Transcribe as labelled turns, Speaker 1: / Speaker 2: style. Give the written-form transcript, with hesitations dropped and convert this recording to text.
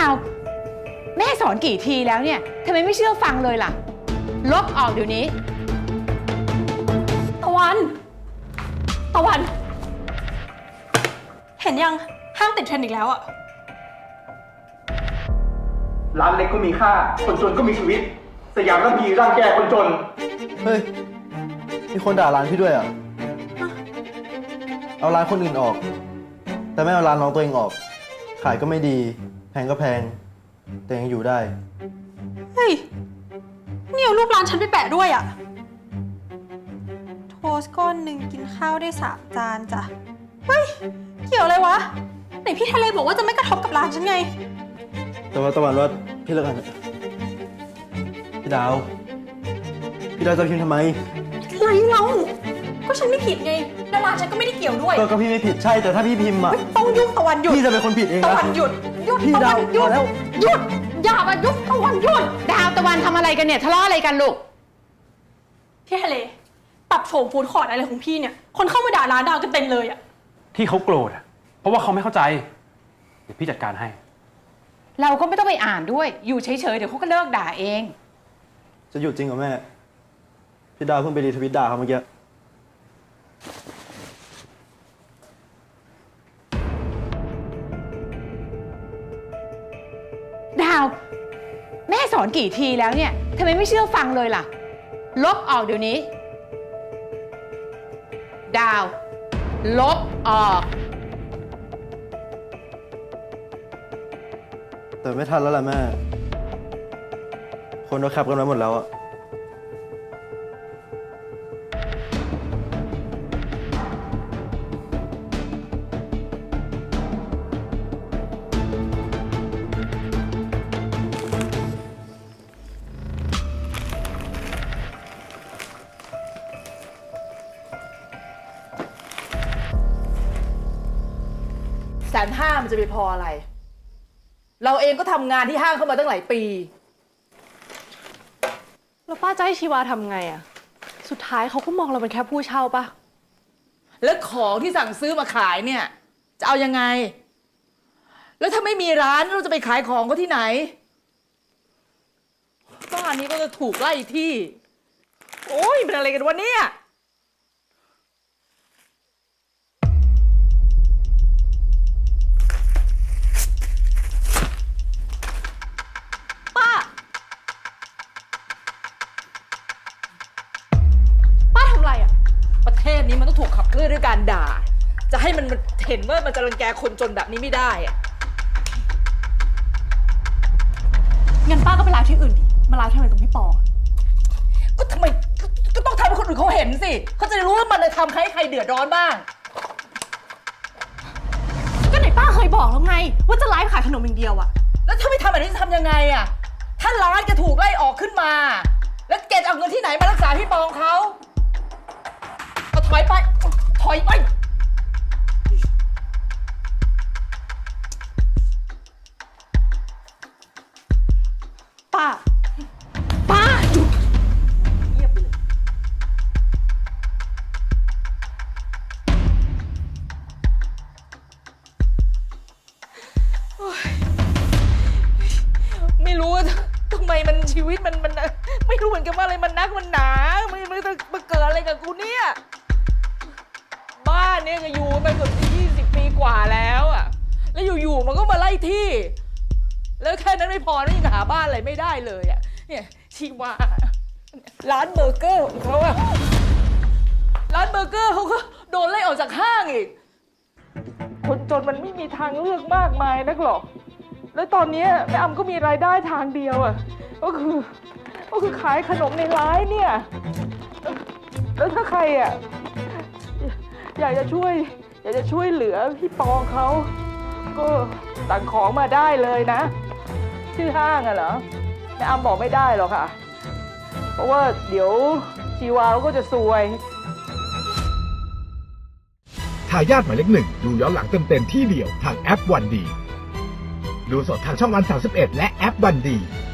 Speaker 1: าวแม่สอนกี่ทีแล้วเนี่ยทำไมไม่เชื่อฟังเลยล่ะลบออกเดี๋ยวนี้
Speaker 2: ตะวันเห็นยังห้างติดเทรนด์อีกแล้วอะ
Speaker 3: ร้านเล็กก็มีค่าคนจนก็มีชีวิตสยามร่ำยีร่างแก่คนจน
Speaker 4: เฮ้ยมีคนด่าร้านพี่ด้วยอ่ะเอาร้านคนอื่นออกแต่ไม่เอาร้านน้องตัวเองออกขายก็ไม่ดีแพงก็แพงแต่ยังอยู่ได้
Speaker 2: เฮ้ยนี่เอารูปร้านฉันไปแปะด้วยอะโทสต์ก้อนหนึ่งกินข้าวได้3 จานจ้ะเฮ้ยเกี่ยวอะไรวะไหนพี่ทะเลบอกว่าจะไม่กระทบกับร้านฉันไง
Speaker 4: แต่ว่าตะวันว่าพี่เลิกกันพี่ดาวจะพิมพ์ทำไม
Speaker 2: ไรเราก็ฉันไม่ผิดไงแล้วร้านฉันก็ไม่ได้เกี่ยวด้วย
Speaker 4: ก็พี่ไม่ผิดใช่แต่ถ้าพี่พิมพ์อะ
Speaker 2: ต้องยุ่งตะวันหยุด
Speaker 4: พี่จะเป็นคนผิดเองนะ
Speaker 2: ตะวันหยุด
Speaker 4: พี่ดาว
Speaker 2: หยุด
Speaker 4: แล้ว
Speaker 2: หยุดอย่ามายุบตะวันหยุด
Speaker 1: ดาวตะวันทำอะไรกันเนี่ยทะเลาะอะไรกันลูก
Speaker 2: พี่ทะเลปรับโฉมฟูดคอร์ทอะไรของพี่เนี่ยคนเข้ามาด่าร้านดาวกันเต็มเลยอะ
Speaker 5: ที่เขาโกรธอะเพราะว่าเขาไม่เข้าใจเดี๋ยวพี่จัดการให้
Speaker 1: เราก็ไม่ต้องไปอ่านด้วยอยู่เฉยๆเดี๋ยวเขาก็เลิกด่าเอง
Speaker 4: จะหยุดจริงเหรอแม่พี่ดาวเพิ่งไปรีทวิตด่าเขาเมื่อกี้
Speaker 1: ดาวแม่สอนกี่ทีแล้วเนี่ยทำไมไม่เชื่อฟังเลยล่ะลบออกเดี๋ยวนี้ดาวลบออก
Speaker 4: แต่ไม่ทันแล้วล่ะแม่คนเราแคปกันไว้หมดแล้วอะ
Speaker 6: 150,000มันจะไปพออะไรเราเองก็ทำงานที่ห้างเข้ามาตั้งหลายปี
Speaker 2: แล้วป้าจะให้ชีวาทำไงอะสุดท้ายเขาก็มองเราเป็นแค่ผู้เช่าปะ
Speaker 6: แล้วของที่สั่งซื้อมาขายเนี่ยจะเอายังไงแล้วถ้าไม่มีร้านเราจะไปขายของเขาที่ไหนบ้านนี้ก็จะถูกไล่ที่โอ้ยเป็นอะไรกันวะเนี่ยประเทศนี้มันต้องถูกขับเคลื่อนด้วยการด่าจะให้มันเห็นว่ามันจะรังแกคนจนแบบนี้ไม่ได้อะ
Speaker 2: งั้นป้าก็ไปไลฟ์ที่อื่นดิมาไลฟ์ทำไมตรงพี่ปอ
Speaker 6: ก็ทำไมก็ต้องทำให้คนอื่นเขาเห็นสิเขาจะได้รู้ว่ามันเลยทำใครเดือดร้อนบ้าง
Speaker 2: ก็ไหนป้าเคยบอกแล้วไงว่าจะไลฟ์ขายขนมอย่างเดียวอะ
Speaker 6: แล้วถ้าไม่ทำแบบนี้จะทำยังไงอะถ้าร้านจะถูกไล่ออกขึ้นมาแล้วแกจะเอาเงินที่ไหนมารักษาพี่ปองเขาถอยไปป้าหยุดเงียบเลยไม่รู้ว่าทำไมมันชีวิตมันไม่รู้เหมือนกันว่าอะไรมันนักมันหนามันจะมาเกิดอะไรกับกูเนี่ยบ้านเนี่ยก็อยู่มาเกือบ20 ปีกว่าแล้วอ่ะแล้วอยู่ๆมันก็มาไล่ที่แล้วแค่นั้นไม่พอนะยังหาบ้านอะไรไม่ได้เลยอ่ะเนี่ยชีวาร้านเบอร์เกอร์ของเขาอ่ะร้านเบอร์เกอร์เขาก็โดนไล่ออกจากห้างอีกคนจนมันไม่มีทางเลือกมากมายนักหรอกแล้วตอนนี้แม่อำก็มีรายได้ทางเดียวอ่ะก็คือขายขนมในร้านเนี่ยแล้วถ้าใครอ่ะอยากจะช่วยเหลือพี่ปองเขาก็สั่งของมาได้เลยนะชื่อห้างอะเหรอแม่อำบอกไม่ได้หรอกค่ะเพราะว่าเดี๋ยวชีวาก็จะซวย
Speaker 7: ทายาทหมายเลข 1ดูย้อนหลังเต็มๆที่เดียวทางแอปวันดีดูสดทางช่องวัน31และแอปวันดี